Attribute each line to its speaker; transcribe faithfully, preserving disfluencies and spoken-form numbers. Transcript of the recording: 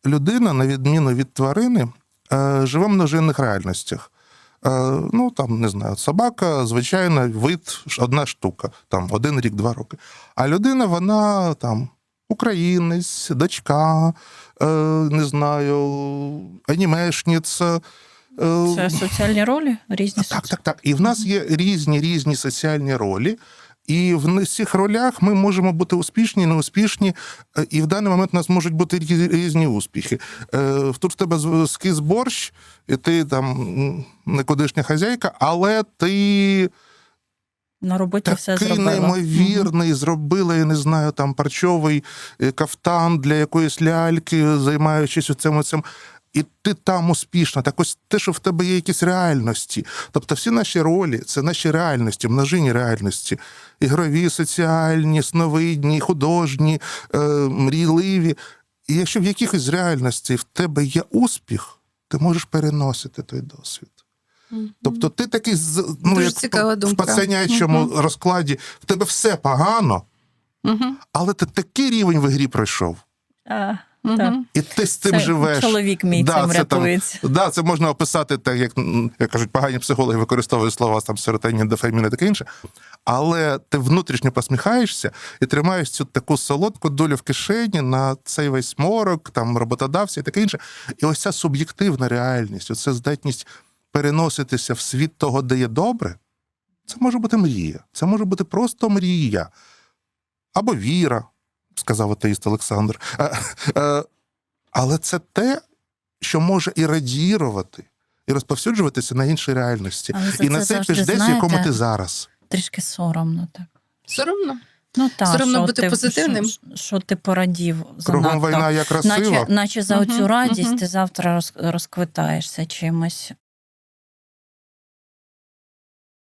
Speaker 1: людина, на відміну від тварини, живе в множинних реальностях. Ну, там, не знаю, собака, звичайно, вид, одна штука, там, один рік, два роки. А людина, вона, там, українець, дочка, не знаю, анімешниця.
Speaker 2: Це соціальні ролі? Різні
Speaker 1: Так, так, так. І в нас є різні-різні соціальні ролі. І в цих ролях ми можемо бути успішні, неуспішні, і в даний момент у нас можуть бути різні успіхи. Тут в тебе скис борщ, і ти там никудишня хазяйка, але ти
Speaker 2: на роботі все
Speaker 1: такий
Speaker 2: зробила.
Speaker 1: неймовірний, угу. зробила, я не знаю, там парчовий кафтан для якоїсь ляльки, займаючись оцим цим. І ти там успішна. Так ось те, що в тебе є якісь реальності. Тобто всі наші ролі – це наші реальності, множинні реальності. Ігрові, соціальні, сновидні, художні, е, мрійливі. І якщо в якихось реальності в тебе є успіх, ти можеш переносити той досвід. Mm-hmm. Тобто ти такий, ну,
Speaker 3: Дуже
Speaker 1: як
Speaker 3: цікава
Speaker 1: в
Speaker 3: думка.
Speaker 1: пацанячому mm-hmm. розкладі, в тебе все погано, mm-hmm. але ти такий рівень в ігрі пройшов.
Speaker 2: А.
Speaker 1: Так. І ти з цим
Speaker 2: це
Speaker 1: живеш.
Speaker 2: Чоловік мій
Speaker 1: да,
Speaker 2: цим
Speaker 1: це
Speaker 2: рятується.
Speaker 1: Там, да, це можна описати так, як, як кажуть, погані психологи використовують слова там серотонін, дофамін і таке інше. Але ти внутрішньо посміхаєшся і тримаєш цю таку солодку долю в кишені на цей весь морок, там роботодавця і таке інше. І ось ця суб'єктивна реальність, оця здатність переноситися в світ того, де є добре, це може бути мрія. Це може бути просто мрія. Або віра, сказав атеїст Олександр. Але це те, що може і радірувати, і розповсюджуватися на інші реальності. І на цей десь, в якому ти зараз.
Speaker 2: Трішки соромно так.
Speaker 3: Соромно?
Speaker 2: Ну, так,
Speaker 3: соромно
Speaker 2: що
Speaker 3: бути
Speaker 2: ти,
Speaker 3: позитивним.
Speaker 2: Що, що ти порадів занадто.
Speaker 1: Кругом війна як красиво.
Speaker 2: Наче, наче за
Speaker 3: угу,
Speaker 2: оцю радість
Speaker 3: угу.
Speaker 2: ти завтра роз, розквитаєшся чимось.